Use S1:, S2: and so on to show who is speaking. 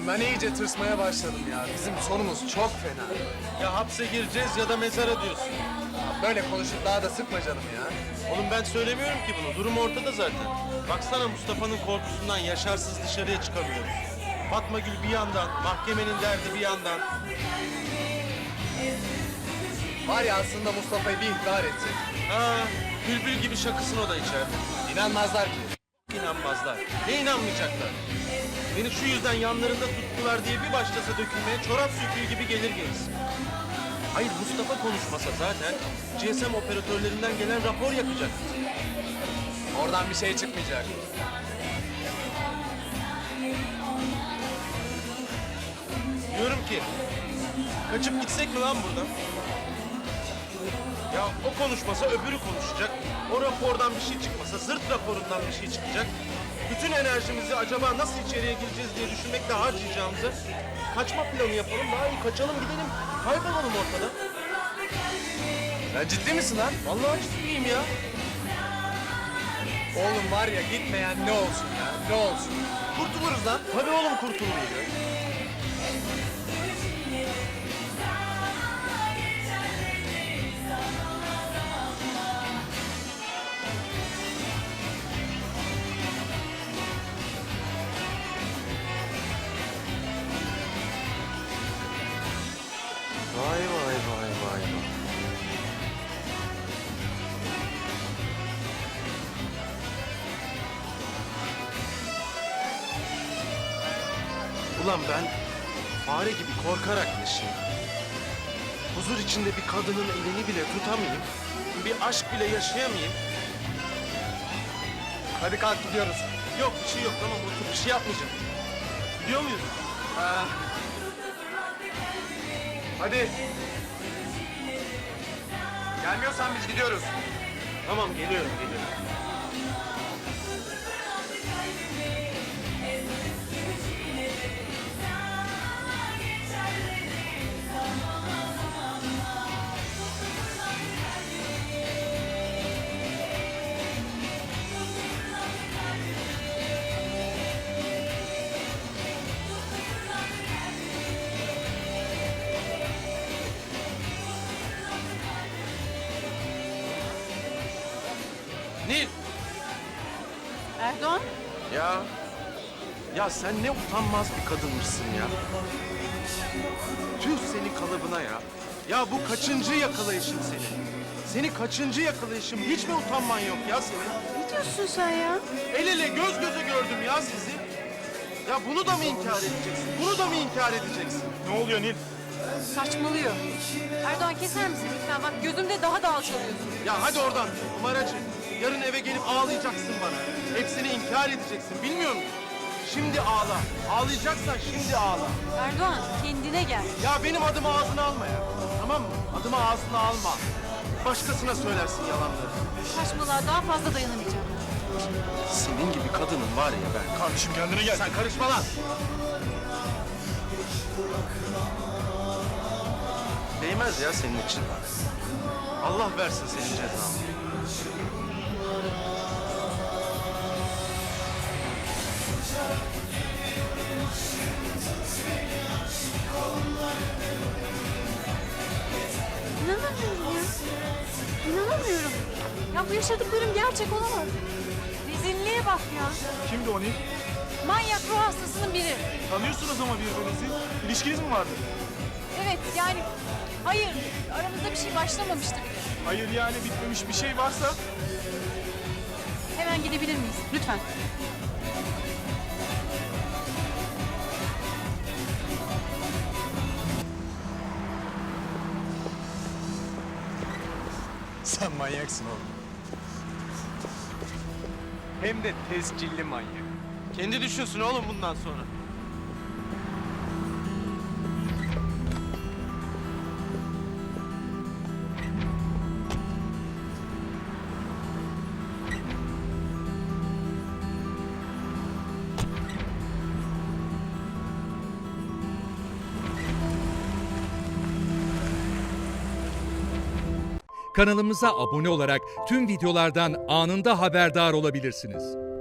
S1: Oğlum ben iyice tırsmaya başladım ya. Bizim sonumuz çok fena.
S2: Ya hapse gireceğiz ya da mezara diyorsun.
S1: Böyle konuşup daha da sıkma canım ya.
S2: Oğlum ben söylemiyorum ki bunu. Durum ortada zaten. Baksana Mustafa'nın korkusundan Yaşarsız dışarıya çıkamıyoruz. Fatma Gül bir yandan, mahkemenin derdi bir yandan.
S1: Var ya aslında Mustafa'yı bir ihbar etsek.
S2: Ha, bülbül gibi şakısın o da içeride.
S1: İnanmazlar ki.
S2: İnanmazlar. Ne inanmayacaklar? Beni şu yüzden yanlarında tuttular diye bir başlasa dökülmeye çorap söküğü gibi gelir gerisi. Hayır Mustafa konuşmasa zaten GSM operatörlerinden gelen rapor yakacak.
S1: Oradan bir şey çıkmayacak.
S2: Diyorum ki kaçıp gitsek mi lan buradan? Ya o konuşmasa öbürü konuşacak. O rapordan bir şey çıkmasa zırt raporundan bir şey çıkacak. Bütün enerjimizi acaba nasıl içeriye gireceğiz diye düşünmekle harcayacağımızı kaçma planı yapalım. Daha iyi kaçalım gidelim. Kaybolalım ortada.
S1: Sen ciddi misin lan?
S2: Vallahi ciddiyim ya.
S1: Oğlum var ya gitmeyen ne olsun ya? Ne olsun?
S2: Kurtuluruz lan. Tabii oğlum kurtuluruz ya. Vay vay vay vay vay. Ulan ben fare gibi korkarak yaşayayım. Huzur içinde bir kadının elini bile tutamayayım. Bir aşk bile yaşayamayayım.
S1: Hadi kalk gidiyoruz.
S2: Yok bir şey yok tamam otur bir şey yapmayacağım. Gidiyor muyuz?
S1: Ha. Hadi. Gelmiyorsan biz gidiyoruz.
S2: Tamam geliyorum. Nil.
S3: Erdoğan,
S2: Ya sen ne utanmaz bir kadınmışsın ya. Tüh senin kalıbına ya. Ya bu kaçıncı yakalayışın senin? Seni kaçıncı yakalayışım? Hiç mi utanman yok ya senin?
S3: ne diyorsun sen ya?
S2: El ele göz göze gördüm ya sizi. Ya bunu da mı inkar edeceksin? Bunu da mı inkar edeceksin?
S4: Ne oluyor Nil?
S3: Saçmalıyor. Erdoğan keser misin lütfen? Bak gözümde daha da alçalıyorsun.
S2: Ya hadi oradan numaracı. Yarın eve gelip ağlayacaksın bana. Hepsini inkar edeceksin bilmiyor musun? Şimdi ağla. Ağlayacaksan şimdi ağla.
S3: Erdoğan kendine gel.
S2: Ya benim adımı ağzına alma ya. Tamam mı? Adımı ağzına alma. Başkasına söylersin yalanları.
S3: Saçmalığa daha fazla dayanamayacağım.
S2: Senin gibi kadının var ya ben.
S4: Kardeşim kendine gel.
S2: Sen karışma lan. Değmez ya senin için. Allah versin senin cezanı.
S3: İnanamıyorum ya. İnanamıyorum. Ya bu yaşadıklarım gerçek olamaz. Rezilliğe bak ya.
S4: Kimdi o Nil?
S3: Manyak ruh hastasının biri.
S4: Tanıyorsunuz ama birbirinizi. İlişkiniz mi vardı?
S3: Evet yani hayır aramızda bir şey başlamamıştı bile.
S4: Hayır yani bitmemiş bir şey varsa
S3: Hemen gidebilir miyiz? Lütfen.
S1: Sen manyaksın oğlum. Hem de tescilli manyak.
S2: Kendi düşünsün oğlum bundan sonra.
S5: Kanalımıza abone olarak tüm videolardan anında haberdar olabilirsiniz.